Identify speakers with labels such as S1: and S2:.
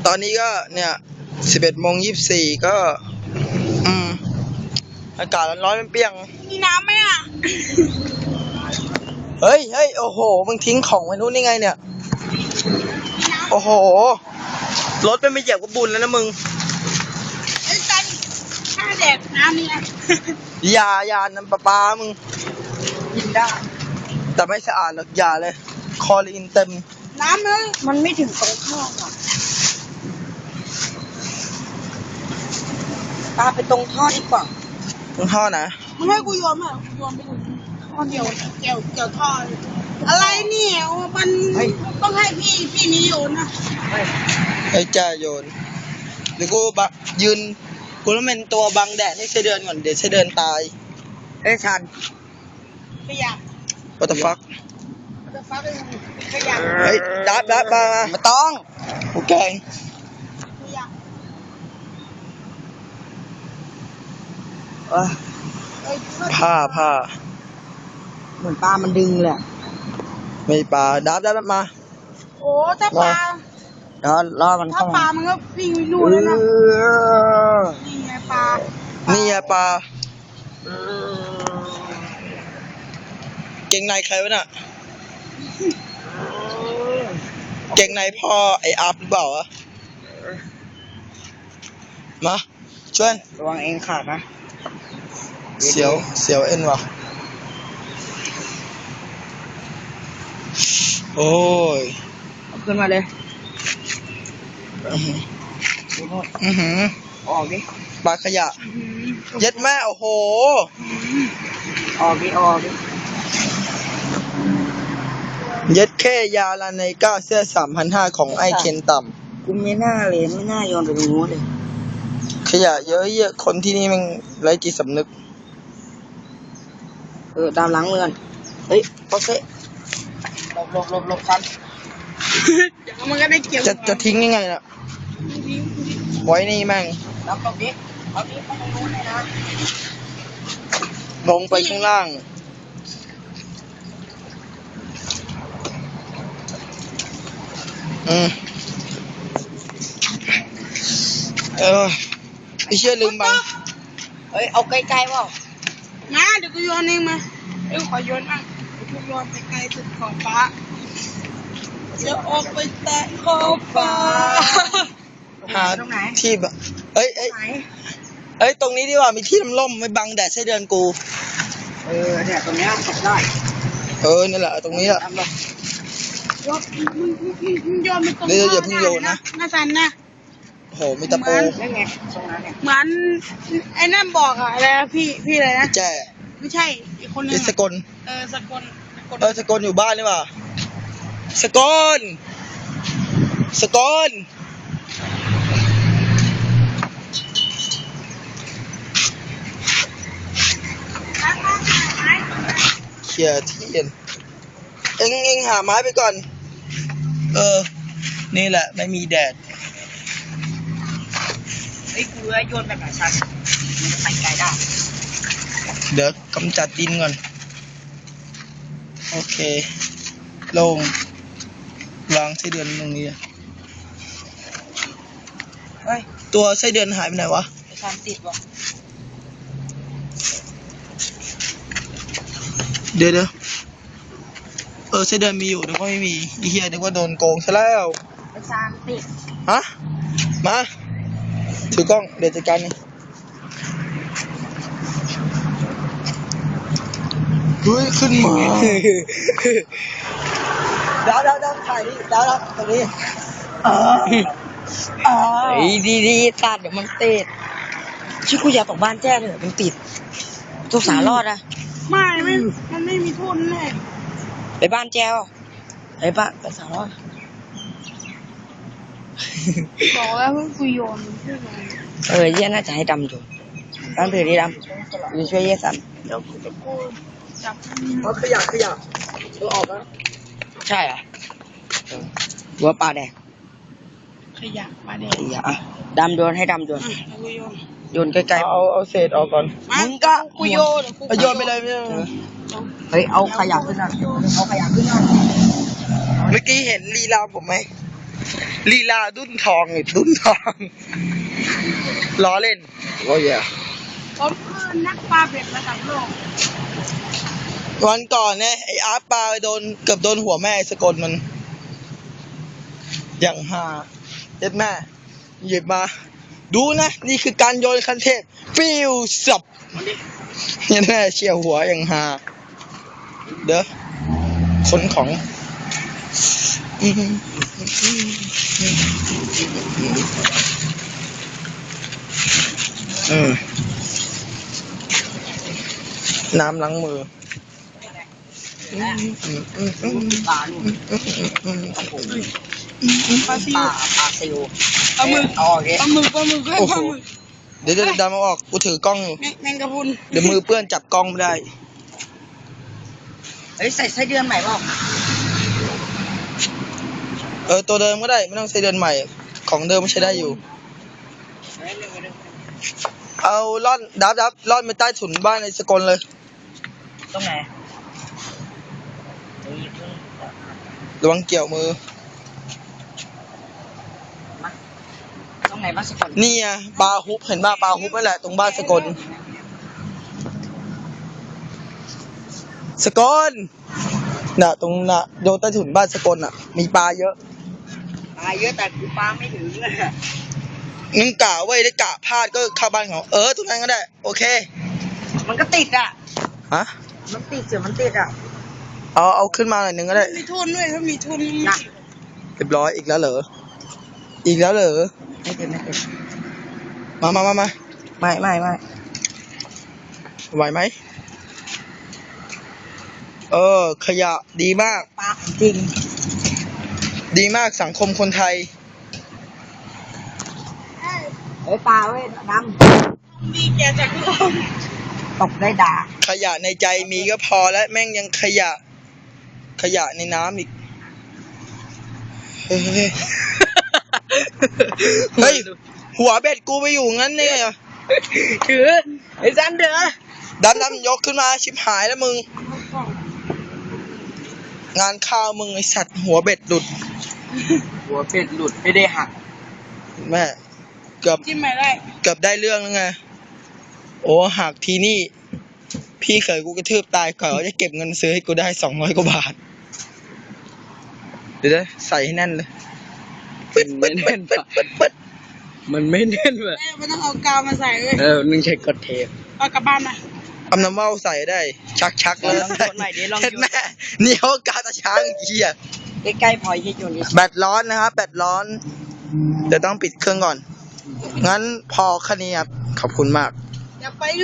S1: ตอนนี้ก็เนี่ย11:24ก็อากาศร้อนๆเปรี้ยง
S2: มีน้ำไหมอ่ะ
S1: เฮ้ยโอ้โหมึงทิ้งของไว้นู้นนี่ไงเนี่ยโอ้โหรถไม่เหยียบก็บุญแล้วนะมึง
S2: ไอ้จันข้าแดกน้ำนี่นะ
S1: อย่าน้ำปลามึง
S2: กินได้
S1: แต่ไม่สะอาดหรอกอย่าเลยคลอรีนเต็ม
S2: น้ำเลยมันไม่ถึงตรงท่ออ่ะปลาไปตรงท่อดีกว่า
S1: ตรงท่อนะ
S2: ไม่ให้กูโยนอ่ะโยนไปถึงท่อเดียวเกี่ยวท่ออะไรเนี่ยมันต้องให้พี่นี้โยนนะ
S1: ไอ้จ้าโยนหรือกูยืนกูต้องเป็นตัวบังแดดให้ไส้เดือนก่อนเดี๋ยวไส้เดือนตาย
S2: ชันขยะ
S1: What the fuck
S2: ขยะ
S1: เฮ้ยดับมาไม่ต้องโอเคผ้า
S2: เหมือนปลามันดึงเลย
S1: ไม่ปลาดับมา
S2: โอ้ถ้าปลา
S1: ล้อมัน
S2: ถ้าปลามันก็วิ่งนู่นแล้วนะนี่ไงปลา
S1: เก่งในใครวะน่ะเก่งในพ่อไออัพหรือเปล่าวะมาชวน
S2: ระวังเองขาดนะ
S1: เสียวเอ็นวะโอ้ย
S2: ขึ้นมาเลยออกดิ
S1: ปลาขยะเย็ดแม่โอ้โห
S2: ออกดิ
S1: เย็ดแค่ยาลาในก้าเสื้อ3,500ของไอเคนต่
S2: ำกูไม่น่าโยนไปตรงนู้นเลย
S1: ขยะเยอะคนที่นี่มันไร้จิตสำนึก
S2: ตามล้างมือกันเฮ้ยโอเคหลบกันเดี๋ยวมันก็ได้เกี่ยว
S1: จะทิ้งยังไงล่ะไว้นี่แม่ง
S2: รับตรงนี้เอานี้ไปตรงนู้นเลยนะ
S1: ลงไปข้างล่างพี่เชื่อลืมบัง
S2: เฮ้ยเอาไกลๆเปล่ามาเดี๋ยวกูโยนเองมาขอโยนบ้างกูโยนไปไกลสุดขอบฟ้าจะออกไปแตะขอบฟ้า
S1: หาที่แบบเอ้ยตรงนี้ดีกว่ามีที่ร่มไม่บังแดดไส้เดือนกู
S2: เนี่ยตรงนี้ตกได้
S1: นี่แหละตรงนี้แหละ
S2: มึงโยนไปตรง
S1: นี้อย่าเพิ่งโยนนะ
S2: น่าสั่นนะ
S1: โอ้โหมีตะปู
S2: เหมือนไอ้นั่นบอกอะไรพี่อะไรนะ
S1: แจ้
S2: ไม่ใช่อีกคนนึง
S1: สกล
S2: สกล
S1: อยู่บ้านนี่ป่ะสกลเขี่ยที่เอ็งหาไม้ไปก่อนนี่แหละไม่มีแดด
S2: ไอ้กูโยนแบบไหนชันมันจะไปไกลได้
S1: เดี๋ยวกำจัดดินก่อนโอเคลงวางไส้เดือนตรงนี้ตัวไส้เดือนหายไปไหนวะ
S2: ไอ้ชันติดวะ
S1: เดี๋ยวไส้เดือนมีอยู่นึกว่าไม่มีอีเหี้ยนึกว่าโดนโกงซะแล้ว
S2: ไอ้ชันติด
S1: ฮะมาถือกล้องเดี๋ยวจัดการนี่เฮ้ยขึ้นมาดาวถ่ายนี่ดาวตรงนี้
S2: ดีตัดเดี๋ยวมันติดชื่อกูอยากตกบ้านแจ้เลยมันติดทุกสารอดอะไม่มันไม่มีทุนแน่ไปบ้านแจ้วไปสารอดบอกแล้วเพิ่งคุยโยนเยี่ยน่าจะให้ดำอยู่ตั้งถือดีดำอยู่ช่วยเยี่ยสันเดี๋ยวกูจับ
S1: ขยะออกแล้ว
S2: ใช่เหรอหัวปลาแดงขยะปลาแดงดำโยนให้ดำโยนใกล้ๆ
S1: เอาเศษออกก่อน
S2: มึงก็กูโย
S1: นไปเลย
S2: เฮ้ยเอาขยะขึ้นหน่อยเมื่อกี้เห็นลีลาผมไหม
S1: ลีลาดุ้นทองไอ้ดุ้นทองล้อเล่นโอ้ย
S3: ผมคือนักปลาเบ็ดระดับโลก
S1: วันก่อนเนี่ยไอ้อาร์ตปลาไปเกือบโดนหัวแม่ไอ้สกลมัน อย่างฮาเด็ดแม่หยิบมา ดูนะ นี่คือการโยนคันเทพฟิวสับเนี่ยแม่เชี่ยวหัวอย่างฮาเด้อคนของน้ำล้างมือ
S2: ปลาลูกปลาซิว
S3: ปลาหมึก
S2: เอาออกดิ
S3: ปลาหมึกด้วย
S1: โอ้
S3: ป
S1: โห
S3: ลาหมึก
S1: เดี๋ยวดำมาออก กูถือกล้องอยู่
S3: แมงกะพรุน
S1: เดี๋ยวมือเปื้อนจับกล้องไม่ได้
S2: เฮ้ยใส่ไส้เดือนใหม่เปล่า
S1: ตัวเดิมก็ได้ ไม่ต้องใช้เดือนใหม่ ของเดิมไม่ใช้ได้อยู่ เอาล่อนดับล่อนไปใต้ถุนบ้านในสกลเลย
S2: ตรงไหน
S1: ระวังเกี่ยวมือ
S2: ตรงไหนบ้านสกล
S1: นี่ไงปลาฮุบเห็นป่ะปลาฮุบนั่นแหละตรงบ้านสกล สกลน่ะตรงน่ะโดนใต้ถุนบ้านสกลน่ะ มีปลาเยอะ
S2: ปลาเยอะแต่กูปลาไม่ถึงเลย
S1: งั้นกะไว้ได้กะพลาดก็เข้าบ้านเขาตรงนั้นก็ได้ โอเค
S2: มันก็ติดอ่ะ
S1: ฮะ
S2: มันติดเสือมันติดอ่ะ
S1: เอาขึ้นมาหน่อยหนึ่งก็ได้
S3: มีทุนด้วยถ้ามีทุน
S2: นะ
S1: เรียบร้อยอีกแล้วเหรอ อีกแล้วเหรอ
S2: ไม่ติดไม่ติด
S1: มา
S2: ไม่
S1: ไหวไหม ขยะดีมาก
S2: ปลาจริง
S1: ดีมากสังคมคนไทย
S2: เฮ้ยปลาเว้ยด
S3: มีแกจากโลก
S2: ำตกได้ด่า
S1: ขยะในใจมีก็พอแล้วแม่งยังขยะในน้ำอีก เฮ้ย เฮ้ย หัวเบ็ดกูไปอยู่งั้นเนี่ย
S2: ถือไอ้ซันเด้อ
S1: ดำยกขึ้นมาชิบหายแล้วมึง งานข้าวมึงไอสัตว์หัวเบ็ดหลุด
S2: หัวเป็ดหลุดไม่ได้หัก
S1: แม่เกือบ
S3: จิ้มไม่ได้
S1: ได้เรื่องแล้วไง โอ้หักทีนี่ พี่เคยกูกระทืบตายก่อนว่าจะเก็บเงินซื้อให้กูได้200 กว่าบาท เดี๋ยวนะใส่ให้แน่นเลยปึ๊ด
S2: มันไม่แน่นว่ะ มันไม่แน่นว่ะ
S3: ไม่ต้องเอากาวมาใส่เลย
S2: นึงใช้กดเทป
S3: เอากลับบ้านมา
S1: เอาน้ำเมาใส่ได้ ชักเลย
S2: ลองโยนหน่อยดิลองโยน
S1: เห็นแม่นี่เขากาตาช้างเหี้ย
S2: ใกล้ๆพอยที่โยนนี่
S1: แบตร้อนนะครับ แบตร้อน เดี๋ยวต้องปิดเครื่องก่อน งั้นพอแค่นี้ครับ ขอบคุณมาก
S3: อย่าไป